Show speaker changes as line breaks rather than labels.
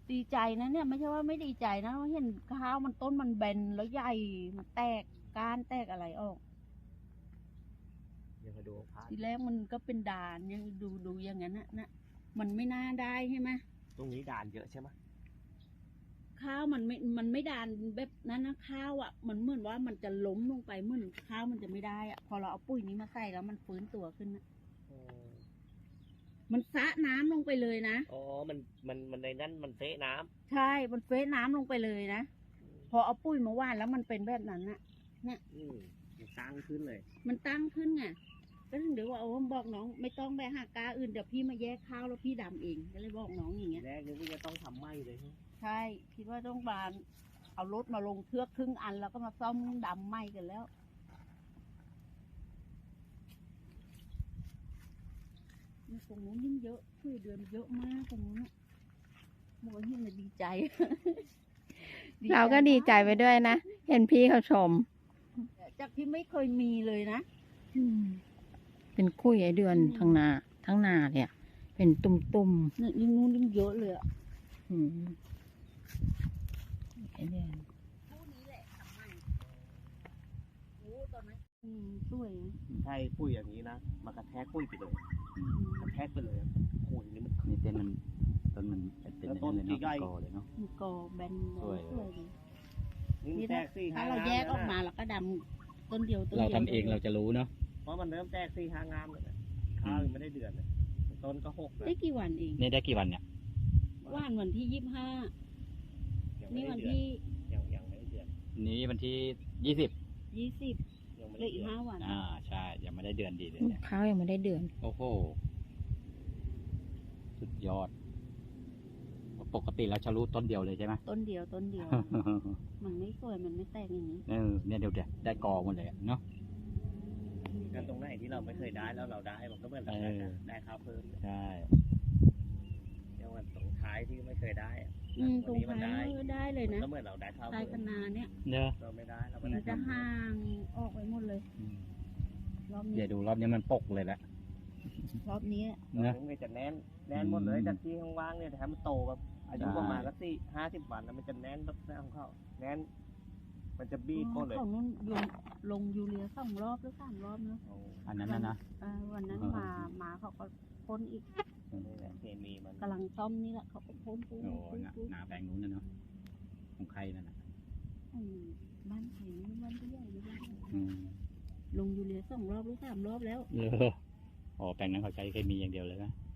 ดีใจนะเนี่ยไม่ใช่ว่าไม่ดีใจนะเห็นข้าวมันต้นมันแบนแล้วใหญ่มันแตกก้านแตกอะไรออก
ยังมาดูพระ
ทีแรกมันก็เป็นด่านยังดูอย่างนั้นนะมันไม่น่าได้ใช่ไหม
ตรงนี้ด่านเยอะใช่ไหม
ข้าวมันไม่ด่านแบบนั้นนะข้าวอ่ะมันเหมือนว่ามันจะล้มลงไปเหมือนข้าวมันจะไม่ได้อ่ะพอเราเอาปุ๋ยนี้มาใส่แล้วมันฟื้นตัวขึ้นนะมันซะน้ำลงไปเลยนะ
อ๋อมันในนั้นมันเฟะน้ำ
ใช่มันเฟซน้ำลงไปเลยนะพอเอาปุ๋ยมาหว่านแล้วมันเป็นแบบนั้นนะเนี่ย
มันตั้งขึ้นเลย
มันตั้งขึ้นไงก็ถึงเดี๋ยวว่าโอ้บอกน้องไม่ต้องไปหากาอื่นเดี๋ยวพี่มาแยกข้าวแล้วพี่ดำเองก็เลยบอกน้องอย่างเงี้ย
แรกนึกว่าจะต้องทำไหมเลย
ใช่คิดว่าต้องบานเอารถมาลงเทือกครึ่งอันแล้วก็มาซ่อมดำไหมกันแล้วนี่ตรงนู้นยิ่งเยอะช่วยเดือนเยอะมากตรงนู้นน่ะบอกว่าเห็นเลยดีใจ
เราก็ดีใจไปด้วยนะ เห็นพี่เขาชม
จากที่ไม่เคยมีเลยนะ
เป็นคุยไอเดือนทั้งนาเนี่ย เป็นตุ่ม
เนี่ยยิ่งนู้นยิ่งเยอะเลยอ่ะ
ไอเดือน
คู่นี้แหละทำไมโอ้ตอนนั้นสวยนะ
ใช่ปุ้ยอย่างนี้นะมากระแทกปุ้ยไปเลยกระแทกไปเลยโอ้ยนี่มัน
นี่ต้นมันเป็น
แล้ว
อย่าง
ต้
นั้น
น
เลย
ใหญ่
เนาะกอเลยเนาะ
มีกอแบน
สวย
สวยดี
นี่
นี่
แต
ถ้าก
สี่
ถ้า
ห้า
เรา
งาม
แยกออกมาแล้วก็ดำต้นเดียวต้น
เรา
เดียว
ทำเองเราจะรู้เนาะ
เพราะมันเริ่มแตกสี่ห้างามเลยนะข้าวยังไม่ได้เดือนเลยต้นก็หกแล้ว
ได้กี่วันเอง
นี่ได้กี่วันเนี่ย
ว่านวันที่25
ยังไม่
นี่
ได้
วัน
เดือน
ที่
ยังไม่ได้เดือน
นี้วันที่20
20
ยังไม่
เหลื
ได้
ออี
เดื
ก
อน
5 วัน
ใช่ยังไม่ได้เดือนดีเลยเนี่ย
ข้าวยังไม่ได้เดือน
โอ้โหสุดยอด ปกติเราจะรู้ต้นเดียวเลยใช่ไหม
ต้นเดียว มันไม่สวยมันไม่แตกอย่างนี้
เนี่ยเดี๋ยวได้กอหมดเลยเนาะ
กันตรงไหนที่เราไม่เคยได้แล้วเราได้มันก็เหมือนเราได้ข้าวเพิ่ม
ใช่
อย่างวันตรงท้ายที่ไม่เคยได้อะ
ตรง
นี้มัน
ท้ายก็ได้เลย
มัน
นะ
ก็เหมือนเราได้ข้าว
ใต้
เพิ่ม
คะนาเนี่ย
เนอะ
เราไม่ได้เราก็
มั
ได้
นจะห่างออกไปหมดเลย รอบ
เดี๋
นี้
ยวดูรอบนี้มันปกเลยแหละ
รอบนี้
นะ
มันจะแน่นหมดเลยจากที่ว่างๆเนี่ยแต่ให้มันโตแบบอายุประมาณสัก50 วันแล้วมันจะแน่นแบบหน้าของเขาแน่น มันจะบี้ก้นเลย
ของนู้นลงยูเรีย2 รอบหรือ3 รอบนะ
อันนั้นนะ
วันนั้นมาเขาก็พ่นอีก
นี่แหละเคมีมัน
กำลังซ่อมนี่แหละเขาก็พ่น
โอ้นาแปลงนู้นนะเนาะของใครนั่นน่ะ
บ้านใครนี่บ้านที่ใหญ่หรือบ้าน
อืม
ลงยูเรีย2 รอบหรือ3 รอบแล้ว
อ๋อแปลงนั้นเขาใช้เคมีอย่างเดียวเลยนะ
ใ